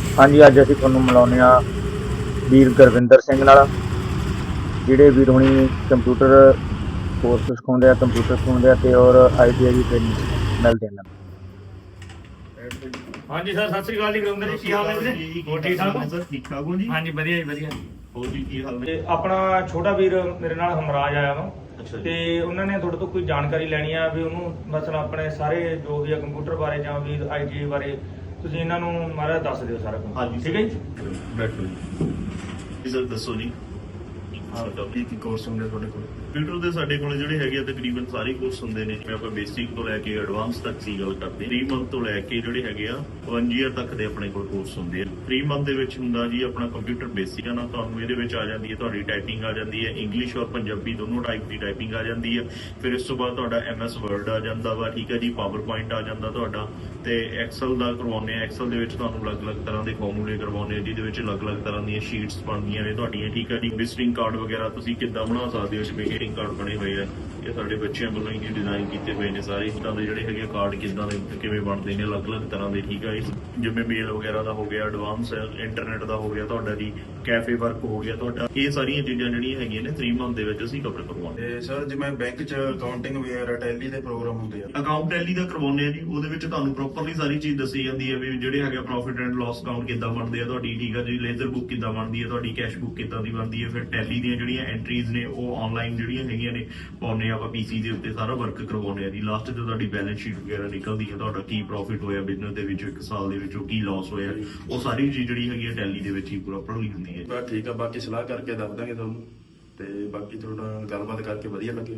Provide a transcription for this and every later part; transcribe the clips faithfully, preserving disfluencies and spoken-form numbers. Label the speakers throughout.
Speaker 1: ਹਾਂਜੀ, ਅੱਜ ਅਸੀਂ ਤੁਹਾਨੂੰ ਮਿਲਾਉਂਦੇ ਹਾਂ ਵੀਰ ਗੁਰਵਿੰਦਰ ਸਿੰਘ ਨਾਲ, ਜਿਹੜੇ ਵੀਰ ਹੁਣੀ ਕੰਪਿਊਟਰ ਕੋਰਸ ਸਿਖਾਉਂਦੇ ਆ, ਕੰਪਿਊਟਰ ਸਿਖਾਉਂਦੇ ਆ ਤੇ ਔਰ I T I the training ਮਿਲਦੇ ਇਹਨਾਂ ਨੂੰ।
Speaker 2: ਹਾਂਜੀ ਸਰ, ਸਤਿ ਸ੍ਰੀ ਅਕਾਲ ਜੀ। ਗੁਰਿੰਦਰ ਜੀ, ਕੀ ਹਾਲ ਹੈ ਵੀਰੇ? ਹੋਰ ਠੀਕ ਠਾਕ ਹੋ
Speaker 3: ਸਰ? ਠੀਕ ਠਾਕ ਹੋ ਜੀ?
Speaker 2: ਹਾਂਜੀ, ਵਧੀਆ ਜੀ ਵਧੀਆ।
Speaker 3: ਹੋਰ ਜੀ ਕੀ ਹਾਲ ਨੇ?
Speaker 2: ਤੇ ਆਪਣਾ ਛੋਟਾ ਵੀਰ ਮੇਰੇ ਨਾਲ ਹਮਰਾਜ ਆਇਆ ਵਾ,
Speaker 3: ਅੱਛਾ ਜੀ।
Speaker 2: ਤੇ ਉਹਨਾਂ ਨੇ ਤੁਹਾਡੇ ਤੋਂ ਕੋਈ ਜਾਣਕਾਰੀ ਲੈਣੀ ਆ ਵੀ ਉਹਨੂੰ ਮਤਲਬ ਆਪਣੇ ਸਾਰੇ ਜੋ ਵੀ ਆ ਕੰਪਿਊਟਰ ਬਾਰੇ ਜਾਂ ਵੀ ਆਈ ਟੀ ਆਈ ਬਾਰੇ ਤੁਸੀਂ ਇਹਨਾਂ ਨੂੰ ਮਹਾਰਾਜ ਦੱਸ ਦਿਓ ਸਾਰਾ ਕੁਝ।
Speaker 3: ਹਾਂਜੀ
Speaker 2: ਠੀਕ ਹੈ ਜੀ।
Speaker 3: ਬੈਠੋ ਜੀ। ਜੀ ਸਰ ਦੱਸੋ ਜੀ। ਸਾਡਾ ਕੀ ਕੀ ਕੋਰਸ ਹੁੰਦੇ ਤੁਹਾਡੇ ਕੋਲ? ਕੰਪਿਊਟਰ ਦੇ ਸਾਡੇ ਕੋਲ ਜਿਹੜੇ ਹੈਗੇ ਆ ਤਕਰੀਬਨ ਸਾਰੇ ਕੋਰਸ ਹੁੰਦੇ ਨੇ, ਜਿਵੇਂ ਆਪਾਂ ਬੇਸਿਕ ਤੋਂ ਲੈ ਕੇ ਐਡਵਾਂਸ ਤੱਕ ਦੀ ਗੱਲ ਕਰਦੇ ਹਾਂ। ਤਿੰਨ ਮੰਥ ਤੋਂ ਲੈ ਕੇ ਜਿਹੜੇ ਹੈਗੇ ਆ ਇੱਕ ਈਅਰ ਤੱਕ ਦੇ ਆਪਣੇ ਕੋਲ ਕੋਰਸ ਹੁੰਦੇ ਆ। ਤਿੰਨ ਮੰਥ ਦੇ ਵਿੱਚ ਹੁੰਦਾ ਜੀ ਆਪਣਾ ਕੰਪਿਊਟਰ ਬੇਸਿਕ ਆ ਨਾ, ਤੁਹਾਨੂੰ ਇਹਦੇ ਵਿੱਚ ਆ ਜਾਂਦੀ ਹੈ ਤੁਹਾਡੀ ਟਾਈਪਿੰਗ ਆ ਜਾਂਦੀ ਹੈ, ਇੰਗਲਿਸ਼ ਔਰ ਪੰਜਾਬੀ ਦੋਨੋਂ ਟਾਈਪ ਦੀ ਟਾਈਪਿੰਗ ਆ ਜਾਂਦੀ ਹੈ। ਫਿਰ ਇਸ ਤੋਂ ਬਾਅਦ ਤੁਹਾਡਾ ਐਮ ਐਸ ਵਰਡ ਆ ਜਾਂਦਾ ਵਾ, ਠੀਕ ਹੈ ਜੀ, ਪਾਵਰ ਪੁਆਇੰਟ ਆ ਜਾਂਦਾ ਤੁਹਾਡਾ, ਤੇ ਐਕਸਲ ਦਾ ਕਰਵਾਉਂਦੇ ਆ। ਐਕਸਲ ਦੇ ਵਿੱਚ ਤੁਹਾਨੂੰ ਅਲੱਗ-ਅਲੱਗ ਤਰ੍ਹਾਂ ਦੇ ਫਾਰਮੂਲੇ ਕਰਵਾਉਂਦੇ ਆ, ਜਿਹਦੇ ਵਿੱਚ ਅਲੱਗ-ਅਲੱਗ ਤਰ੍ਹਾਂ ਦੀਆਂ ਸ਼ੀਟਸ ਬਣਦੀਆਂ ਨੇ ਤੁਹਾਡੀਆਂ, ਠੀਕ ਹੈ ਜੀ। ਵਿਜ਼ਿਟਿੰਗ ਕਾਰਡ ਵਗੈਰਾ ਤੁਸੀਂ ਕਿੱਦਾਂ ਬਣਾ ਸਕਦੇ ਹੋ, ਜਿਵੇਂ ਵਿਜ਼ਿਟਿੰਗ ਕਾਰਡ ਬਣੇ ਹੋਏ ਆ, ਇਹ ਸਾਡੇ ਬੱਚਿਆਂ ਵੱਲੋਂ ਹੀ ਡਿਜ਼ਾਈਨ ਕੀਤੇ ਹੋਏ ਨੇ ਸਾਰੇ ਤਰ੍ਹਾਂ ਦੇ ਜਿਹੜੇ ਹੈਗੇ ਕਾਰਡ ਕਿੱਦਾਂ ਦੇ ਕਿਵੇਂ ਬਣਦੇ ਨੇ ਅਲੱਗ-ਅਲੱਗ ਤਰ੍ਹਾਂ ਦੇ, ਠੀਕ ਹੈ ਜੀ। ਜਿਵੇਂ ਮੇਲ ਵਗੈਰਾ ਦਾ ਹੋ ਗਿਆ, ਐਡਵਾਂਸ ਇੰਟਰਨੈਟ ਦਾ ਹੋ ਗਿਆ ਤੁਹਾਡਾ ਜੀ, ਕੈਫੇ ਵਰਕ ਹੋ ਗਿਆ ਤੁਹਾਡਾ, ਇਹ ਸਾਰੀਆਂ ਚੀਜ਼ਾਂ ਜਿਹੜੀਆਂ ਹੈਗੀਆਂ ਨੇ ਤਿੰਨ ਮੰਥ ਦੇ ਵਿੱਚ ਅਸੀਂ ਕਵਰ ਕਰਵਾਉਂਦੇ
Speaker 4: ਤੇ ਸਰ ਜਿਵੇਂ ਬੈਂਕ 'ਚ ਅਕਾਊਂਟਿੰਗ ਵਗੈਰਾ ਟੈਲੀ ਦੇ ਪ੍ਰੋਗਰਾਮ ਹੁੰਦੇ ਆ,
Speaker 3: ਹਾਂ। ਅਕਾਊਂਟ ਟੈਲੀ ਦਾ ਕਰਵਾਉਂਦੇ ਆ ਜੀ, ਉਹਦੇ ਵਿੱਚ ਤੁਹਾਨੂੰ ਪ੍ਰੋਪਰਲੀ ਸਾਰੀ ਚੀਜ਼ ਦੱਸੀ ਜਾਂਦੀ ਹੈ ਵੀ ਜਿਹੜੇ ਹੈਗੇ ਪ੍ਰੋਫਿਟ ਐਂਡ ਲਾਸ ਅਕਾਊਂਟ ਕਿੱਦਾਂ ਬਣਦੇ ਆ ਤੁਹਾਡੀ, ਠੀਕ ਹੈ ਜੀ। ਲੇਜ਼ਰ ਬੁੱਕ ਕਿੱਦਾਂ ਬਣਦੀ ਹੈ ਤੁਹਾਡੀ, ਕੈਸ਼ ਬੁੱਕ ਕਿੱਦਾਂ ਦੀ ਬਣਦੀ ਹੈ। ਫਿਰ ਟੈਲੀ ਦੀਆਂ ਜਿਹੜੀਆਂ ਐਂਟਰੀਜ਼ ਨੇ ਉਹ ਆਨਲਾਈਨ ਜਿਹੜੀਆਂ ਹੈਗੀਆਂ ਨੇ ਪਾਉਂਦੇ ਆ ਆਪਾਂ ਪੀਸੀ ਦੇ ਉੱਤੇ, ਸਾਰਾ ਵਰਕ ਕਰਵਾਉਂਦੇ ਆ ਜੀ। ਲਾਸਟ ਤੇ ਤੁਹਾਡੀ ਬੈਲੈਂਸ ਸ਼ੀਟ ਵਗੈਰਾ ਨਿਕਲਦੀ ਹੈ, ਤੁਹਾਡਾ ਕੀ ਪ੍ਰੋਫਿਟ ਹੋਇਆ ਬਿਜ਼ਨਸ ਦੇ ਵਿੱਚ ਇੱਕ ਸਾਲ ਦੇ ਵਿੱਚ, ਉਹ ਕੀ ਲਾਸ ਹੋਇਆ, ਉਹ ਸਾਰੀ ਚੀਜ਼ ਜਿਹੜੀ ਹੈਗੀ ਹੈ ਟੈਲੀ ਦੇ ਵਿੱਚ ਹੀ ਪ੍ਰੋਪਰਲੀ ਹੁੰਦੀ ਹੈ।
Speaker 4: ਬਸ ਠੀਕ ਆ, ਬਾਕੀ ਸਲਾਹ ਕਰਕੇ ਦੱਸ ਦਾਂਗੇ ਤੁਹਾਨੂੰ, ਤੇ ਬਾਕੀ ਤੁਹਾਡਾ ਗੱਲਬਾਤ ਕਰਕੇ ਵਧੀਆ ਲੱਗਿਆ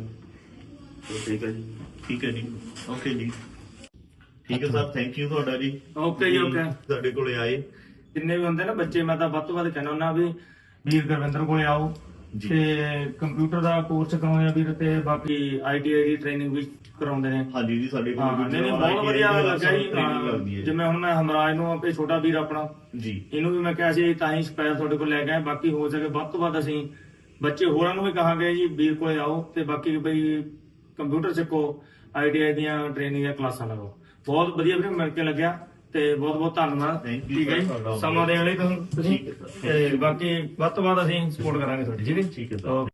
Speaker 4: ਤੇ ਠੀਕ ਹੈ ਜੀ।
Speaker 3: ਠੀਕ ਹੈ ਜੀ, ਓਕੇ ਜੀ, ਠੀਕ ਹੈ ਸਰ, ਥੈਂਕ ਯੂ ਤੁਹਾਡਾ ਜੀ।
Speaker 2: ਓਕੇ ਜੀ, ਓਕੇ।
Speaker 3: ਸਾਡੇ ਕੋਲੇ ਆਏ
Speaker 2: ਜਿੰਨੇ ਵੀ ਹੁੰਦੇ ਨਾ ਬੱਚੇ, ਮੈਂ ਤਾਂ ਵੱਧ ਤੋਂ ਵੱਧ ਕਹਿਣਾ ਹੁੰਦਾ ਵੀ ਵੀਰ ਗੁਰਵਿੰਦਰ ਕੋਲੇ ਆਓ
Speaker 3: ਜੀ।
Speaker 2: ਤੇ ਕੰਪਿਊਟਰ ਦਾ ਕੋਰਸ ਕਰਾਉਂਦੇ ਆ ਵੀਰ, ਤੇ ਬਾਕੀ I T I the training ਵੀ ਕਰਾਉਂਦੇ ਨੇ।
Speaker 3: ਹਾਂਜੀ ਜੀ, ਸਾਡੇ ਕੋਲ
Speaker 2: ਹਾਂ, ਨਹੀਂ ਨਹੀਂ, ਬਹੁਤ ਵਧੀਆ ਲੱਗਾ ਜੀ। ਜਿਵੇਂ ਹੁਣ ਮੈਂ ਹਮਰਾਜ ਨੂੰ ਆਪੇ ਛੋਟਾ ਵੀਰ ਆਪਣਾ
Speaker 3: ਜੀ,
Speaker 2: ਇਹਨੂੰ ਵੀ ਮੈਂ ਕਿਹਾ ਸੀ ਤਾਂ ਹੀ ਸਪੈਸ਼ਲ ਤੁਹਾਡੇ ਕੋਲ ਲੈ ਕੇ ਆਏ। ਬਾਕੀ ਹੋ ਸਕੇ ਵੱਧ ਤੋਂ ਵੱਧ ਅਸੀਂ ਬੱਚੇ ਹੋਰਾਂ ਨੂੰ ਵੀ ਕਹਾਂਗੇ ਜੀ ਵੀਰ ਕੋਲੇ ਆਓ, ਤੇ ਬਾਕੀ ਬਈ ਕੰਪਿਊਟਰ ਸਿੱਖੋ, ਆਈ ਟੀ ਆਈ ਦੀਆਂ ਟ੍ਰੇਨਿੰਗ ਦੀਆਂ ਕਲਾਸਾਂ ਲਗਾਓ। ਬਹੁਤ ਵਧੀਆ ਵੀਰੇ, ਮਿਲ ਕੇ ਲੱਗਿਆ ਤੇ ਬਹੁਤ ਬਹੁਤ ਧੰਨਵਾਦ।
Speaker 3: Thank you
Speaker 2: ਠੀਕ ਹੈ ਜੀ,
Speaker 3: sir,
Speaker 2: ਸਮਾਂ ਦੇਣ ਲਈ ਤੁਹਾਨੂੰ ਤੁਸੀਂ,
Speaker 3: ਠੀਕ ਹੈ sir।
Speaker 2: ਤੇ ਬਾਕੀ ਵੱਧ ਤੋਂ ਵੱਧ ਅਸੀਂ ਸਪੋਰਟ ਕਰਾਂਗੇ ਤੁਹਾਡੀ। ਠੀਕ ਹੈ ਜੀ?
Speaker 3: ਠੀਕ ਹੈ sir।